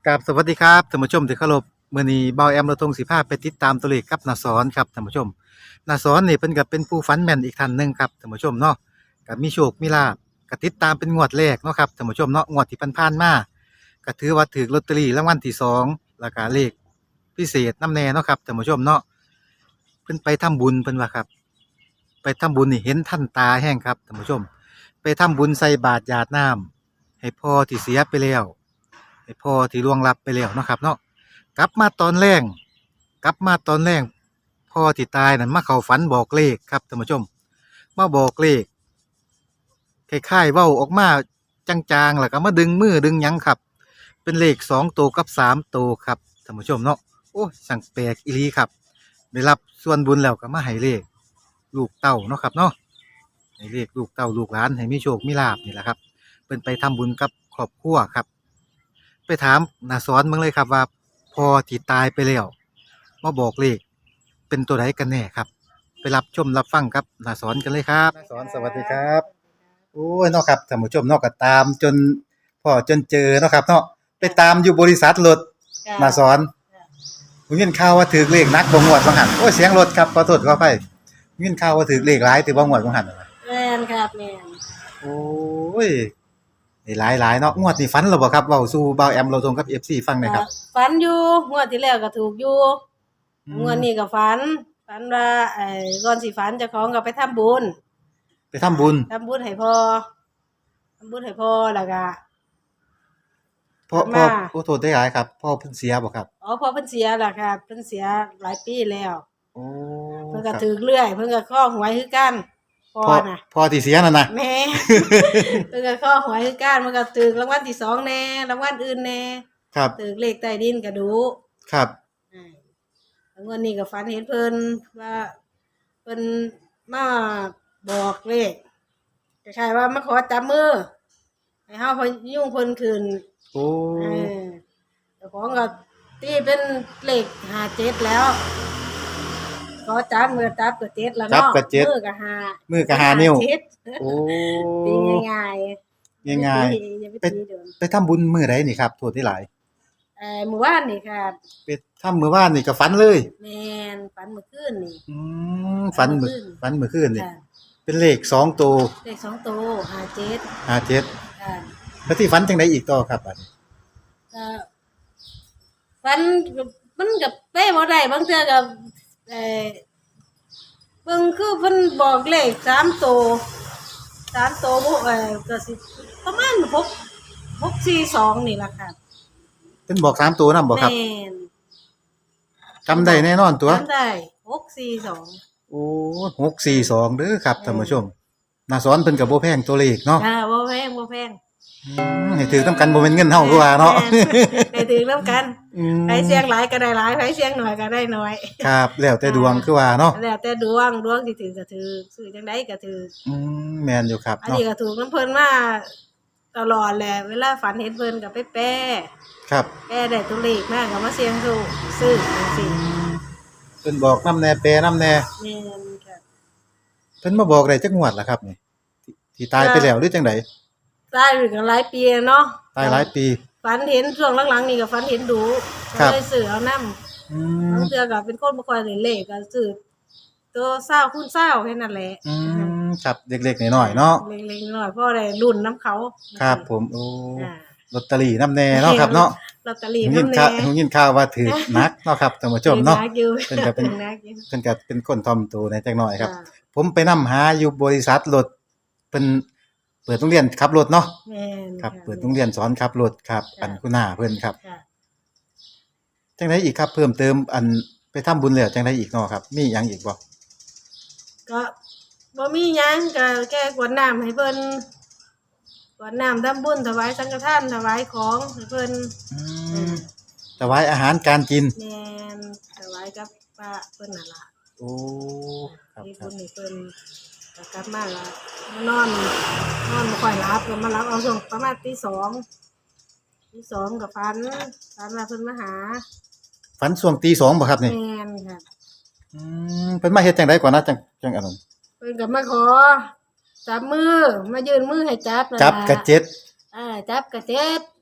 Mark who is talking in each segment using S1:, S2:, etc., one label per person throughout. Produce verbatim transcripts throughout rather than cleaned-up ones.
S1: กับสวัสดีครับท่านผู้ชมที่เคารพมื้อนี้เบาแอมเราทงสิพาไปติดตามตัวเลขกับนาสอนครับท่านผู้ชมนาสอนนี่เพิ่นก็เป็นผู้ฝันแม่นอีกท่านหนึงครับท่านผู้ชมเนาะก็มีโชคมีลาภก็ติดตามเป็นงวดแรกเนาะครับท่านผู้ชมเนาะงวดที่ผ่านๆมาก็ถือว่าถูกลอตเตอรี่รางวัลที่สองแล้วก็เลขพิเศษนำแน่เนาะครับท่านผู้ชมเนาะเพิ่นไปทำบุญเพิ่นว่าครับไปทำบุญนี่เห็นท่านตาแห้งครับท่านผู้ชมไปทำบุญใส่บาตรหยาดน้ำให้พ่อที่เสียไปแล้ว ให้พ่อที่ล่วงลับไปแล้วเนาะครับเนาะกลับมาตอนแรกกลับมาตอนแรกพ่อที่ตายนั่นมาเข้าฝันบอกเลขครับท่านผู้ชมมาบอกเลขคล้ายๆเว้าออกมาจางๆแล้วก็มาดึงมือดึงหยังครับ เป็นเลขสองตัวกับสามตัวครับท่านผู้ชมเนาะโอ้สั่งแปลกอีหลีครับได้รับส่วนบุญแล้วก็มาให้เลขลูกเต้าเนาะครับเนาะให้เลขลูกเต้าลูกหลานให้มีโชคมีลาภนี่แหละครับเป็นไปทำบุญกับครอบครัวครับ ไปถามนาสอนมึงเลยครับว่าพอที่ตายไปแล้วมาบอกเลขเป็นตัวไหนกันแน่ครับไปรับชมรับฟังครับนาสอนกันเลยครับนาสอนสวัสดีครับโอ้ยเนาะครับท่านผู้ชมเนาะก็ตามจนพ่อจนเจอเนาะครับเนาะไปตามอยู่บริษัทรถนาสอนผมยินข่าวว่าถือเลขนักบ่งวดบ่หันโอ้ยเสียงรถครับขอโทษขออภัยยินข่าวว่าถือเลขหลายถือบ่งวดบ่หัน
S2: แม่นครับแม่น
S1: โอ้ยได้หลายหลายเนาะงวดนี้ฝันแล้วบ่ครับเว้าสู่บ่าวแอมเราตรงกับ เอฟ ซี ฟังหน่อยครับ
S2: ฝันอยู่งวดที่แล้วก็ถูกอยู่งวดนี้ก็ฝันฝันว่าไอ้ก่อนสิฝันเจ้าของก็ไปทำบุญ
S1: ไปทำบุญ
S2: ทำบุญให้พ่อทำบุญให้พ่อแล้วก็
S1: พ่อพ่อโอ้โทษได้หลายครับพ่อเพิ่นเสียบ่ครับ
S2: อ๋อพ่อเพิ่นเสียแล้วครับเพิ่นเสียหลายปีแล้ว
S1: โอ้
S2: เพิ่นก็ถูกเรื่อยเพิ่นก็ข้อหวยคือกันพ่อน่ะ
S1: พ่อที่เสียนั่นน่ะ
S2: แม่เพิ่นก็ข้อหวยคือกันมันก็ถูกรางวัลที่สองแน่รางวัลอื่นแน่
S1: ครับ
S2: ถูกเลขใต้ดินก็ดู
S1: ครับ
S2: อ่างวดนี้ก็ฝันเห็นเพิ่นว่าเพิ่นมาบอกเลขคล้ายๆว่ามาขอจับมือให้เฮาพยุ่งเพิ่นขึ้น
S1: โอ้
S2: เออเจ้าของก็ตีเป็นเลขห้าเจ็ดแล้วขอจับมือจับก็เจ็ดแล้วเนาะมือก็ห้า
S1: มือก็ห้านิ้วโอ้
S2: ตีง่าย
S1: ๆง่ายๆไปไปทำบุญมื้อใดนี่ครับโทษที่หลาย
S2: เอ่อมื้อวานนี่ครับ
S1: ไปทำมื้อวานนี่ก็ฝันเลย
S2: แม่นฝันเมื่อคืนนี่
S1: อืมฝันมื้อฝันเมื่อคืนนี่เป็นเลขสองตัว
S2: เลขสองตัวห้าเจ็ด
S1: ห้าเจ็ด
S2: ค่ะ
S1: แล้วที่ฝันจังได๋อีกต่อครับบัดนี้
S2: ก็ฝันมันก็เป๊ะบ่ได้บางเทื่อก็เอ่อเบิ่งคือเพิ่นบอกเลขสามตัวสามตัวบ่เอ่อก็สิประมาณหก หก สี่ สองนี่ล่ะค่ะ
S1: เพิ่นบอกสามตัวนำบ่ครับ
S2: แม่น
S1: จำได้แน่นอนตัว
S2: จำได้หก สี่ สอง
S1: โอ้หก สี่ สองเด้อครับท่านผู้ชมนาสอนเพิ่นก็บ่แพงตัวเลขเนาะ
S2: จ้าบ่แพงบ่แพง
S1: อืมให้ถือนำกันบ่แม่นเงินเฮาคือว่าเนาะ
S2: ให้ถือนำกันไผเสียงหลายก็ได้หลายไผเสียงน้อยก็ได้น้อย
S1: ครับแล้วแต่ดวงคือว่าเนาะ
S2: แล้วแต่ดวงดวงสิถือก็ถือซื้อจังได๋ก็ถือ
S1: อืมแม่นอยู่ครับ
S2: อันนี้ก็ถูกนำเพิ่นมาตลอดแหละเวลาฝันเห็นเพิ่นก็ไปแปะ
S1: ครับ
S2: แปะได้ตัวเลขมาก็มาเสี่ยงโชคซื้อจังซี่
S1: เพิ่นบอกนำแน่แปรนำแน่
S2: แม่นค่ะ
S1: เพิ่นมาบอกได้จักงวดล่ะครับนี่ที่ตายไปแล้วหรือจังได๋
S2: ตายอยู่กันหลายปีเนาะ
S1: ตายหลายปี
S2: ฝันเห็นช่วงหลังๆนี่ก็ฝันเห็นดูก็เลยซื้อเอานำ
S1: อืม
S2: บางเทื่อก็เป็นคนบ่ค่อยเล่นเลขก็ซื้อตัวเศร้าคูณเศร้าแค่นั้นแหละ
S1: อืมครับเล็กๆน้อยๆเนาะ
S2: เล็กๆน้อยๆพอได้รุ่นนำเขา
S1: ครับผมโอ้ลอตเตอรี่นำแน่เนาะครับเนาะ
S2: ลอตเตอรี่
S1: นำแน่ฮู้ยินข่าวว่าถูกนักเนาะครับท่านผู้ชมเนาะ
S2: เพิ่น
S1: ก็เป็นเพิ่นก็เป็นคนถ่อมตัวในจักหน่อยครับผมไปนำหาอยู่บริษัทรถเพิ่นเปิดโรงเรียนขับรถเนาะ
S2: แม่น
S1: ครับเปิดโรงเรียนสอนขับรถครับอันคุณหน้าเพิ่นครับจังได๋อีกครับเพิ่มเติมอันไปทำบุญแล้วจังได๋อีกเนาะครับมีหยังอีกบ่
S2: ก็บ่มีหยังก็แค่กรวดน้ำให้เพิ่นกรวดน้ำทำบุญถวายสังฆทานถวายของให้เพิ่น
S1: อืมถวายอาหารการกิน
S2: แม่นถวายกับพระเพิ่นนั่นล่ะ
S1: โอ้ครับ
S2: ๆบุญให้เพิ่นก็กลับมาก็นอนนอนบ่ค่อยหลับก็มาหลับเอาช่วงประมาณตีสองตีสองก็ฝันฝันว่าเพิ่นมาหา
S1: ฝันช่วงตีสองบ่ครับนี่
S2: แม่นค่ะ
S1: อืมเพิ่นมาเฮ็ดจังได๋ก่อนนะจังจังอันนั้น
S2: เพิ่นก็มาขอจับมือมายื่นมือให้จับ
S1: จับกะเจ็ด
S2: อ่าจับกะเจ็ด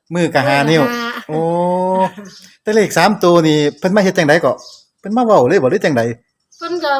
S1: มือกับหานิ้ว
S2: ห้า
S1: โอ้แต่เลขสามตัวนี่เพิ่นมาเฮ็ดจังไดก็เพิ่นมาเว้าเลยบ่หรือจังได
S2: เพิ่นก็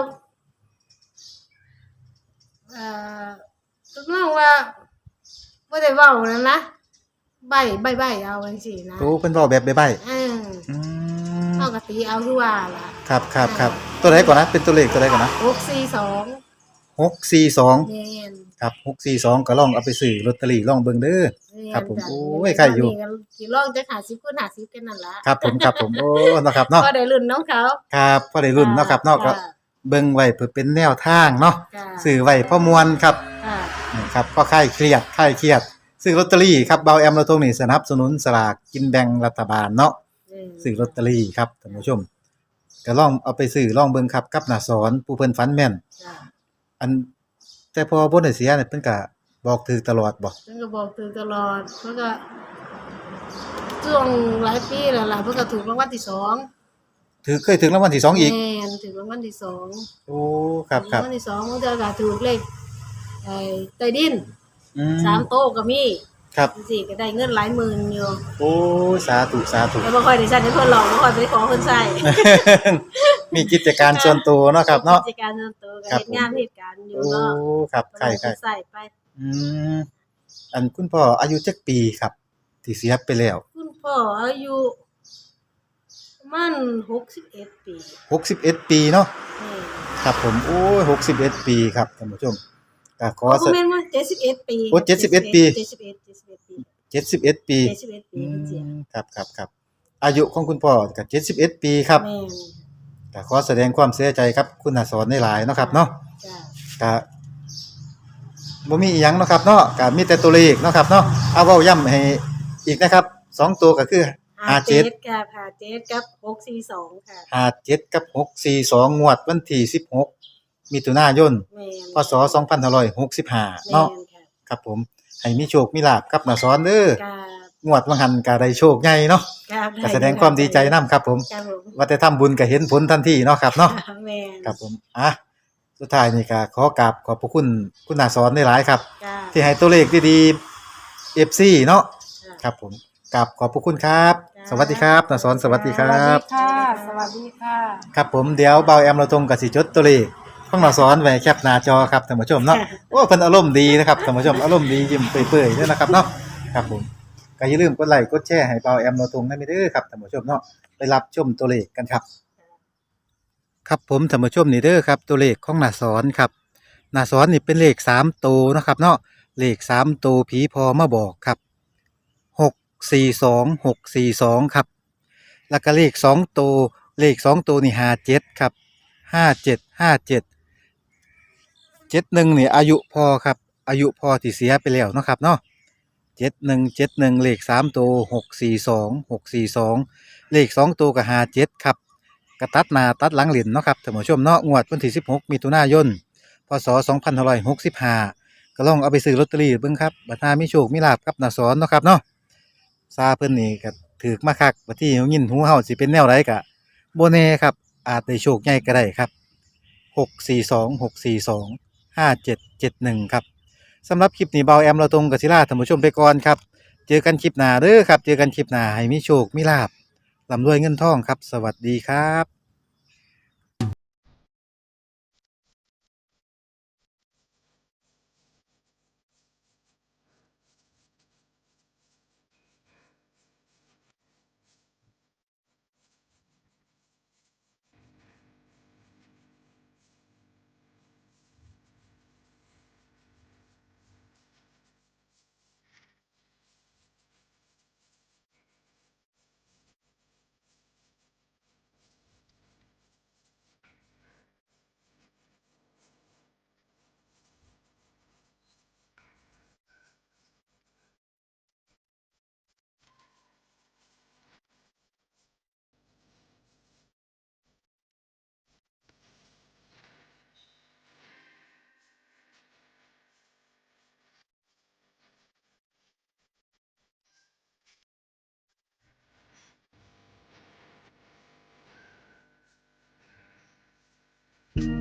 S2: เอ่อทดลองว่าบ่ได้เว้านั่นนะใบ้ใบ้ๆเอาจังซี่นะ
S1: โอ้เพิ่นเว้าแบบใบ้
S2: เออ
S1: ๆอืม
S2: เฮาก็ตีเอาคือว่าล่ะ
S1: ครับครับครับตัวไหนก่อนนะเป็นตัวเลขตัวไหนก่อนนะ
S2: หกสี่สอง
S1: หกสี่สอง
S2: แม่น
S1: ครับหกสี่สองก็ลองเอาไปซื้อลอตเตอรี่ลองเบิ่งเด้อ ครับผม
S2: แนจ้ะ
S1: โอ้ยใครอยู่
S2: นี่ก็สิลองจักห้าสิบคูณห้าสิบกันนั่นล่ะ
S1: ครับผมครับผมโอ้เนาะครับเนาะ
S2: ก็ได้รุ่นน้องเขา
S1: ครับพอได้รุ่นเนาะครับเนาะก็
S2: จ้
S1: เบิ่งไว้เพื่อเป็นแนวทางเนาะ
S2: จ้ะ
S1: ซื้อไว้พอมวนครับ
S2: ค่ะ
S1: นี่ครับก็คลายเครียดคลายเครียดซื้อลอตเตอรี่ครับเบาแอมเราตรงนี้สนับสนุนสลากกินแบ่งรัฐบาลเนาะ
S2: เออ
S1: ซื้อลอตเตอรี่ครับท่านผู้ชมก็ลองเอาไปซื้อลองเบิ่งครับกับหน้าสอนผู้เพิ่นฝันแม่น
S2: จ้ะ
S1: อันแต่พอบ่ได้เสียเนี่ยเพิ่นก็บอกถือตลอดบ่
S2: เพิ่นก็บอกตื่นตลอดเพิ่นก็ช่วงหลายปีแล้วล่ะเพิ่นก็ถูกรางวัลที่สอง
S1: ถือเคยถึงรางวัลที่สองอีก
S2: แม่นถูกรางวัลที่สอง
S1: โอ้ครับค
S2: รา
S1: รับ
S2: งวัลที่สองมันจะก็ถูกเลขไอ้ใต้ดิน
S1: อืม
S2: สามโต๊ะก็มี
S1: ครับ
S2: จังซี่ก็ได้เงินหลายหมื่นอยู่
S1: โอ้สาธุสาธุ
S2: แต่บ่ค่อยได้ใช้ให้เพิ่นหรอกบ่ค่อยไปขอเพิ่นใช้
S1: มีกิจการส่วนตัวเนาะครับเนาะ
S2: กิจการส่วนตัวก็
S1: ครับ
S2: เฮ็ดงานเฮ็ดการอยู่
S1: โอ้
S2: เนาะ
S1: ครับ
S2: ก็
S1: ใช่
S2: ได้
S1: ใช่
S2: ใช้ไป
S1: อืมอันคุณพ่ออายุจักปีครับ ที่เสียไปแล้ว
S2: คุณพ่ออายุประมาณหกสิบเอ็ดปี
S1: หกสิบเอ็ดปีเนาะ
S2: แม่น
S1: ครับผมโอ้ยหกสิบเอ็ดปีครับท่านผู้ชมก็ขอ
S2: อ๋อ
S1: ส
S2: บ่แม่นว่าเจ็ดสิบเอ็ดปี
S1: โอ้เจ็ดสิบเอ็ดปี
S2: เจ็ดสิบเอ็ด เจ็ดสิบเอ็ดปี
S1: เจ็ดสิบเอ็ดปี
S2: เจ็ดสิบเอ็ดปี
S1: อื
S2: เพิ่นเสีย
S1: มครับครับครับอายุของคุณพ่อก็เจ็ดสิบเอ็ดปีครับ
S2: แม่น
S1: ก็ขอแสดงความเสียใจครับคุณอาสอนในหลายๆเนาะครับเนาะ
S2: จ้ะ
S1: ก็บ่มีอีหยังเนาะครับเนาะก็มีแต่ตัวเลขเนาะครับเนาะเอาเว้าย้ำให้อีกนะครับสองตัวก็คือห้าเจ็ด
S2: กับห้าเจ็ดกับหกสี่สองค่ะ
S1: ห้าเจ็ดกับหกสี่สองงวดวันที่สิบหกมิถุนายน
S2: แม่น
S1: พศสองพันห้าร้อยหกสิบห้า
S2: แม่
S1: เนาะ
S2: นค่ะ
S1: ครับผมให้มีโชคมีลาภกับนาสอนเด้อ
S2: กับ
S1: งวดวังหันก็ได้โชคใหญ่เนาะ
S2: กับ
S1: ก็แสดงความดีใจนํครับผม
S2: ครับผม
S1: ว่าแต่ทำบุญก็เห็นผลทันทีเนาะครับเนาะ
S2: แม่น
S1: ครับผมอ่ะสุดท้ายนี่ก็ขอกราบขอบพระคุณคุณนาสอนหลายๆครับ
S2: จ้ะ
S1: ที่ให้ตัวเลขดีๆ เอฟ ซี เนาะ
S2: จ้ะ
S1: ครับผมกราบขอบพระคุณครับ
S2: จ้า
S1: สวัสดีครับนาสอนสวัสดีค
S3: ส
S1: รั
S3: วัสดี
S1: บ
S3: ค่ะ สวัสดีค่ะ
S1: ครับผมเดี๋ยวเบาแอมเราตรงกับสิจดตัวเลขของนาสอนไว้แคปหน้าจอครับท่านผู้ชมเนาะ โอ้เพิ่นอารมณ์ดีนะครับท่านผู้ชมอารมณ์ดียิ้มเปื่อยๆด้วยนะครับเนาะครับผมก็อย่าลืมกดไลค์กดแชร์ให้เบาแอมเราตรงนั้นไปเด้อครับท่านผู้ชมเนาะไปรับชมตัวเลขกันครับ ครับผมท่านผู้ชมนี่เด้อครับตัวเลขของนาสอนครับนาสอนนี่เป็นเลขสามตัวเนาะครับเนาะเลขสามตัวผีพอมาบอกครับหกสี่สองหกสี่สองครับแล้วก็เลขสองตัวเลขสองตัวนี่ห้าเจ็ดครับห้าเจ็ดห้าเจ็ดเจ็ดหนึ่งนี่อายุพอครับอายุพอที่เสียไปแล้วเนาะครับเนาะเจ็ดหนึ่งเจ็ดหนึ่งเลขสามตัวหกสี่สองหกสี่สองเลขสองตัวกับห้าเจ็ดครับ กระตัดหน้าตัดหลังเหรียญเนาะครับท่านผู้ชมเนาะงวดวันที่สิบหกมิถุนายนพศสองพันห้าร้อยหกสิบห้าก็ลองเอาไปซื้อลอตเตอรี่เบิ่งครับบัดหน้ามีโชคมีลาภกับนาสอนเนาะครับเนาะซาเพิ่นนี่ก็ถือมาคักบัดที่ยินหูเฮาสิเป็นแนวใดก็บ่แน่ครับอาจได้โชคใหญ่ก็ได้ครับหก สี่ สอง หก สี่ สอง ห้า เจ็ด เจ็ด หนึ่งครับสำหรับคลิปนี้เบาแอมเราตรงกับศิลาท่านผู้ชมไปก่อนครับเจอกันคลิปหน้าเด้อครับเจอกันคลิปหน้าให้มีโชคมีลาภร่ำรวยเงินทองครับสวัสดีครับ